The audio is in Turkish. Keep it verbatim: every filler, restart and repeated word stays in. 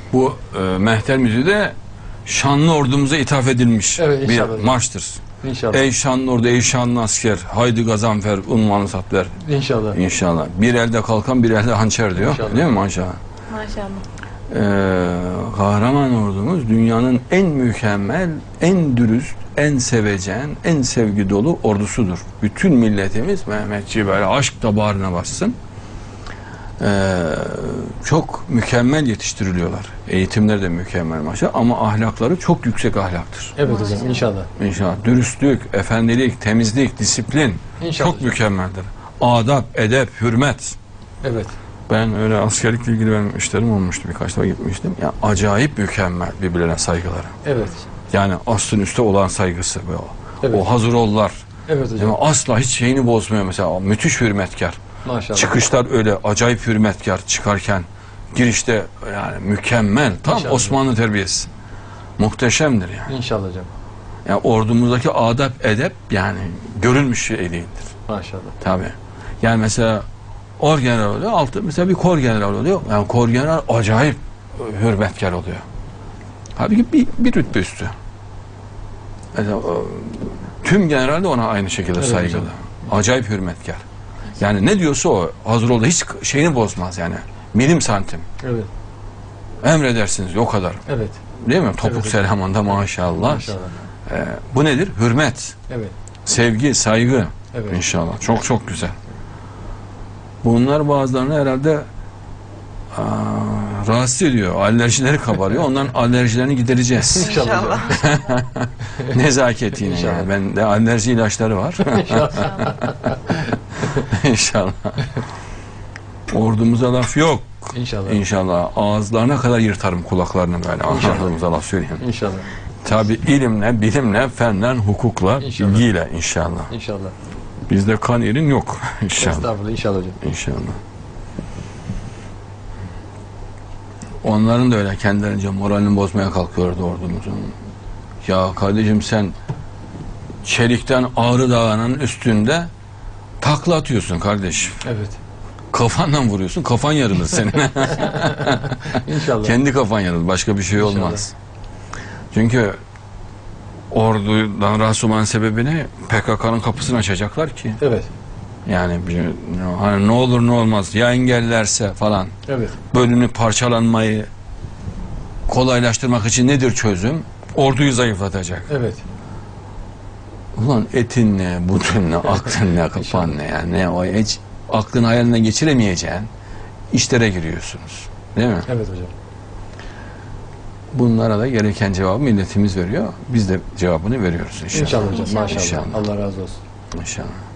Bu e, mehter müziği de şanlı ordumuza ithaf edilmiş Evet, bir inşallah. marştır. İnşallah. Ey şanlı ordu, ey şanlı asker, haydi gazanfer, unvanı sat ver. İnşallah. İnşallah. Bir elde kalkan, bir elde hançer diyor. İnşallah. Değil mi maşallah? Maşallah. Ee, kahraman ordumuz dünyanın en mükemmel, en dürüst, en sevecen, en sevgi dolu ordusudur. Bütün milletimiz Mehmetçiği böyle aşk damarına bassın. Ee, çok mükemmel yetiştiriliyorlar. Eğitimleri de mükemmel maşallah ama ahlakları çok yüksek ahlaktır. Evet Maşallah. hocam inşallah. İnşallah. Dürüstlük, efendilik, temizlik, disiplin İnşallah çok hocam. mükemmeldir. Adap, edep, hürmet. Evet. Ben öyle askerlikle ilgili benim işlerim olmuştu. Birkaç defa gitmiştim. Yani acayip mükemmel birbirlerine saygıları. Evet. Yani aslın üstte olan saygısı. Ve o, Evet. o hazır ollar. Evet hocam. Yani asla hiç şeyini bozmuyor mesela. O müthiş hürmetkar. Maşallah. Çıkışlar öyle acayip hürmetkar çıkarken. Girişte yani mükemmel. Tam Maşallah. Osmanlı terbiyesi. Muhteşemdir yani. İnşallah hocam. Yani ordumuzdaki adap, edep yani görülmüş şey değildir. Maşallah. Tabii. Yani mesela orgeneral oluyor, altı mesela bir kor general oluyor. Yani kor general acayip hürmetkar oluyor. Halbuki bir, bir rütbe üstü. Mesela, o, tüm general de ona aynı şekilde Evet saygılı. hocam. Acayip hürmetkar. Yani ne diyorsa o hazır oldu. Hiç şeyini bozmaz yani. Milim santim. Evet. Emredersiniz o kadar. Evet. Değil mi? Topuk Evet. selamında maşallah. Maşallah. Ee, bu nedir? Hürmet. Evet. Sevgi, saygı. Evet. İnşallah. Çok çok güzel. Bunlar bazılarını herhalde aa, rahatsız ediyor. Alerjileri kabarıyor. Onların alerjilerini gidereceğiz. İnşallah. hocam. Nezaketiyle İnşallah. yani. Bende alerji ilaçları var. İnşallah. Ordumuza laf yok. İnşallah. İnşallah. Ağızlarına kadar yırtarım kulaklarını böyle. İnşallah. Ordumuza laf söyleyeyim. İnşallah. Tabi ilimle, bilimle, fenle, hukukla, İnşallah. bilgiyle inşallah. İnşallah. Bizde kan yerin yok inşallah. Estağfurullah. İnşallah hocam. İnşallah. Onların da öyle kendilerince moralini bozmaya kalkıyordu ordumuzun. Ya kardeşim sen çelikten Ağrı Dağı'nın üstünde takla atıyorsun kardeşim. Evet. Kafanla vuruyorsun, kafan yarılır senin. İnşallah. Kendi kafan yarılır, başka bir şey İnşallah. olmaz. Çünkü ordudan rahatsız olmanın sebebini P K K'nın kapısını açacaklar ki. Evet. Yani bir, hani ne olur ne olmaz ya engellerse falan. Evet. Bölünüp parçalanmayı kolaylaştırmak için nedir çözüm? Orduyu zayıflatacak. Evet. Ulan etin ne, budun ne, aklın ne, kafan ne yani ne o hiç aklın hayalinden geçiremeyeceğin işlere giriyorsunuz. Değil mi? Evet hocam. Bunlara da gereken cevabı milletimiz veriyor. Biz de cevabını veriyoruz inşallah. İnşallah hocam. İnşallah. Maşallah. İnşallah. Allah razı olsun. İnşallah.